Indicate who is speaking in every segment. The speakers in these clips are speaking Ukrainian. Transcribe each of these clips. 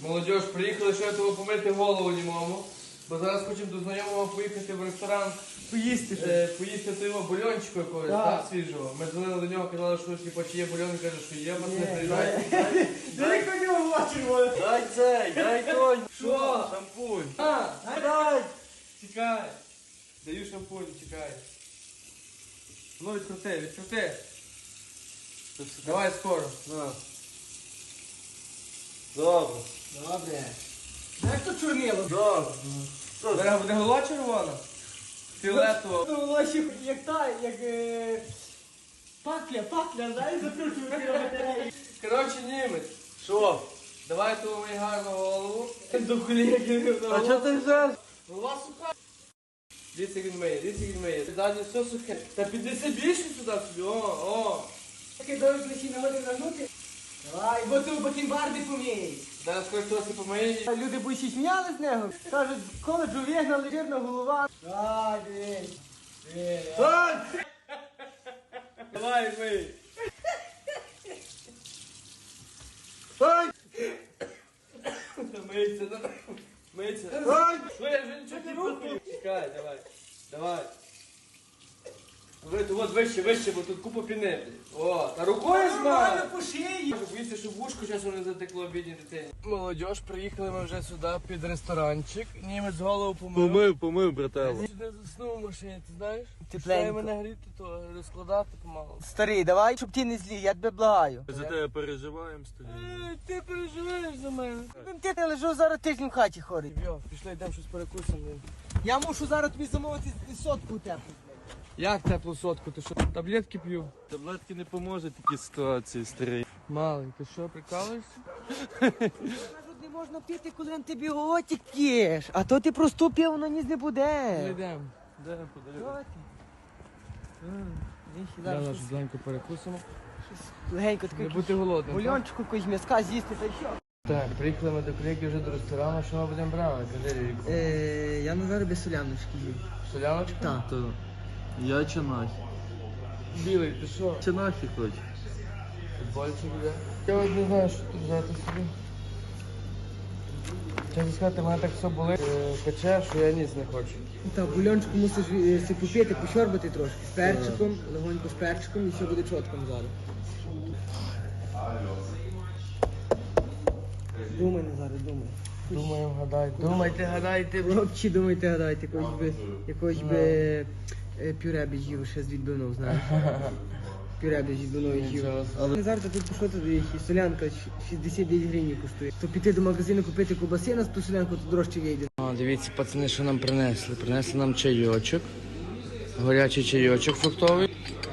Speaker 1: Молодіж, приїхали ще того помити голову німому, бо зараз хочемо до знайомого поїхати в ресторан. Поїсти того бульончику якогось, так, свіжого. Ми дзвонили до нього, казали, що типу, чи є бульон, він каже, що є, пацани, приїжджайте.
Speaker 2: Дай коню бачимо.
Speaker 1: Дай цей, дай той.
Speaker 2: Що?
Speaker 1: Шампунь.
Speaker 2: Дай.
Speaker 1: Чекай. Даю шампунь, чекай. Ну, відкрути. Давай скоро.
Speaker 2: На.
Speaker 1: Добре.
Speaker 2: Добре. Як то чорнило?
Speaker 1: Добре. Зараз буде голова червона? Фіолетова.
Speaker 2: Ну, воно ще як та, як пакля, знаєш, закручувати на батареї.
Speaker 1: Коротше, німець.
Speaker 2: Що?
Speaker 1: Давай ту мені гарну голову.
Speaker 2: До колеги.
Speaker 1: А чого ти взяв?
Speaker 2: Голова суха.
Speaker 1: Дивіться, як він миє. Задні все сухе. Та піднеси більше сюди собі. О.
Speaker 2: Такий довгий плечі на води нагнути. Давай, бо ти у бакінбарди помієш.
Speaker 1: Зараз скоро трохи помиє.
Speaker 2: Люди більше сміяли з нього. Кажуть, з коледжу вигнали, жирна голова. Ай, дивись.
Speaker 1: Давай, мий. Мийся, мийся. Що я вже нічого не рухаю? Чекай, давай. Вот вище, бо тут купа піни. О, та рукою змай.
Speaker 2: Нормально по шиї.
Speaker 1: Боїться, щоб вушко часом не затекло бідній дитині. Молодіж, приїхали ми вже сюди під ресторанчик. Німець голову помив.
Speaker 3: Помив, брателло.
Speaker 1: Я сюди заснув в машині, ти знаєш?
Speaker 2: Тепленько.
Speaker 1: Пішла мене гріти, то розкладати помалу.
Speaker 2: Старий, давай, щоб ти не злій, я тебе благаю.
Speaker 3: За тебе переживаємо, старі.
Speaker 1: Ти переживаєш за мене.
Speaker 2: Ти не лежу зараз тиждень в хаті хорий.
Speaker 1: Йо, пішли, йдемо щось перекусимо.
Speaker 2: Я мушу зараз тобі замовити сотку теплу.
Speaker 1: Як теплу сотку? Ти що, таблетки п'ю?
Speaker 3: Таблетки не поможуть такі ситуації, старий.
Speaker 1: Малий, ти що, прикалуєшся?
Speaker 2: Кажуть, не можна пити, коли антибіотик п'єш. А то ти проступив, воно ніс не буде.
Speaker 1: Йдемо.
Speaker 3: Де подарунок?
Speaker 2: Що ти?
Speaker 1: Зараз щось зеленько перекусимо.
Speaker 2: Легенько
Speaker 1: Не
Speaker 2: такий
Speaker 1: бути голодним. так?
Speaker 2: бульончику, якогось м'язка з'їсти, та й що?
Speaker 1: Так, приїхали ми до колеги вже до ресторану, що ми будемо брати? Кажи, Ріку.
Speaker 2: Я на зараз без соляночки їв.
Speaker 1: Соляночка?
Speaker 2: Так.
Speaker 3: То я чинахи.
Speaker 1: Білий, ти що?
Speaker 3: Чинахи хочу.
Speaker 1: Футбольчик іде. Я от не знаю, що тут взяти собі. Чесно сказати, мене так все болить, пече, що я ніс не хочу.
Speaker 2: Так, бульончику мусиш си попити, пощорбати трошки. З перчиком, легонько з перчиком і все буде чітком зараз. Думай, Назаре, думай.
Speaker 1: Думаємо, гадайте.
Speaker 2: Хлопці, думайте, гадайте, якогось би пюре б їв ще з відбивною, знаєш. Пюре б з відбивною їв.
Speaker 1: Нічого.
Speaker 2: Але зараз тут що туди, солянка 69 гривень коштує. То піти до магазину купити ковбаси на ту солянку, то дорожче вийде.
Speaker 1: Дивіться, пацани, що нам принесли. Принесли нам чайочок. Горячий чайочок фруктовий.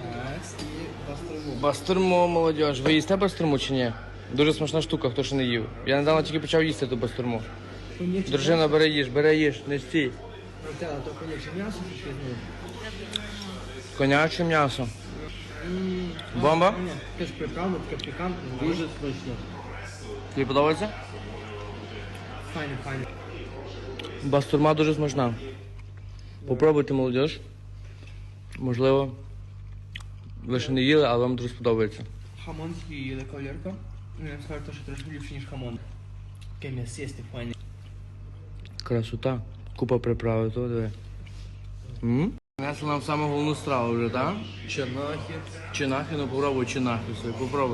Speaker 1: Бастурму, молодіж. Ви їсте бастурму чи ні? Дуже смачна штука, хто ще не їв. Я недавно тільки почав їсти ту бастурму. Дружина, бери їж, не стій.
Speaker 2: Так, то, конечно, м'ясо щось візьму.
Speaker 1: Коняче м'ясо. Бомба?
Speaker 2: Теж приправа, таке пікантне.
Speaker 3: Дуже смачно.
Speaker 1: Тобі подобається?
Speaker 2: Файно.
Speaker 1: Бастурма дуже смачна. Попробуйте, молодіж. Можливо, ви ще не їли, але вам дуже сподобається.
Speaker 2: Хамон з'їли, кавалерка. Я скажу, що трошки ліпше, ніж хамон. Таке м'ясисте, файне.
Speaker 1: Красота. Купа приправи, то диви. Принесли нам саму головну страву вже, так?
Speaker 3: Чинахи.
Speaker 1: Чинахи, ну попробуй чинахи собі, попробуй.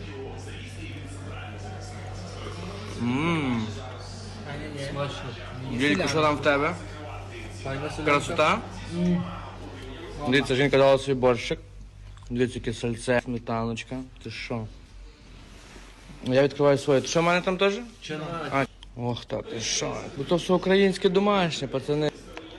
Speaker 3: Смачно.
Speaker 1: Вілько, що там в тебе?
Speaker 3: Файна солянка.
Speaker 1: Красота? Дивіться, жінка дала собі борщик. Дивіться, яке сальце, сметаночка. Ти що? Я відкриваю своє. Ти що в мене там теж?
Speaker 3: Чинахи.
Speaker 1: Ох, та ти що? Бо то все українське домашнє, пацани.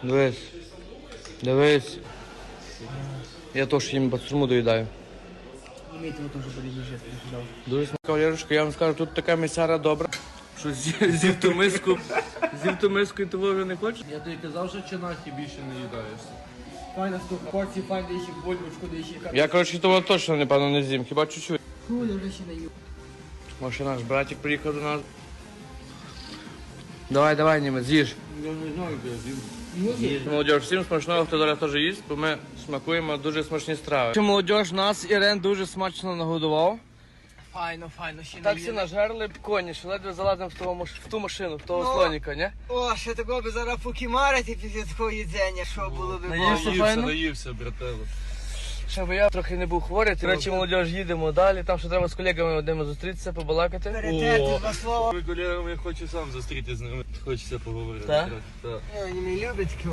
Speaker 1: Дивись. Я теж їм бастурму доїдаю.
Speaker 2: Имейте вот тоже подъезжать, я
Speaker 1: Дуже смачна кавалерочка, я вам скажу, тут така місяра добра, що з'їв ту миску і того вже не хочеш.
Speaker 3: Я тобі казав, що чинахи більше не їдаєшся.
Speaker 2: Файна штука, порції файна, ще бульбочку, де ще картоплю.
Speaker 1: Я, коротше, того точно, напевно, не з'їм, хіба чуть-чуть.
Speaker 2: Ну, я вже ще не їв.
Speaker 1: Може, наш братик приїхав до нас. Давай, німець, з'їж.
Speaker 3: Я не знаю, де він.
Speaker 1: Молодіж, всім смачного, хто зараз теж їсть, бо ми смакуємо дуже смачні страви. Молодіж, нас Ірен дуже смачно нагодував.
Speaker 2: Файно, ще
Speaker 1: Так
Speaker 2: не
Speaker 1: всі нажерли коні, що ледве залазимо в ту машину, в того
Speaker 2: Ну.
Speaker 1: слоніка, ні?
Speaker 2: О, ще такого би зараз покімарити після такого їдзення, що було би
Speaker 1: Наївся
Speaker 2: бомба.
Speaker 1: файно?
Speaker 3: наївся, брателло.
Speaker 1: Ще би я трохи не був хворий. До речі, молодіж, їдемо далі. Там ще треба з колегами одними зустрітися, побалакати.
Speaker 2: Перетерти два слова.
Speaker 3: Ми колегами, я хочу сам зустріти з ними. Хочеться поговорити.
Speaker 1: Так?
Speaker 3: Так.
Speaker 2: Вони не люблять таке.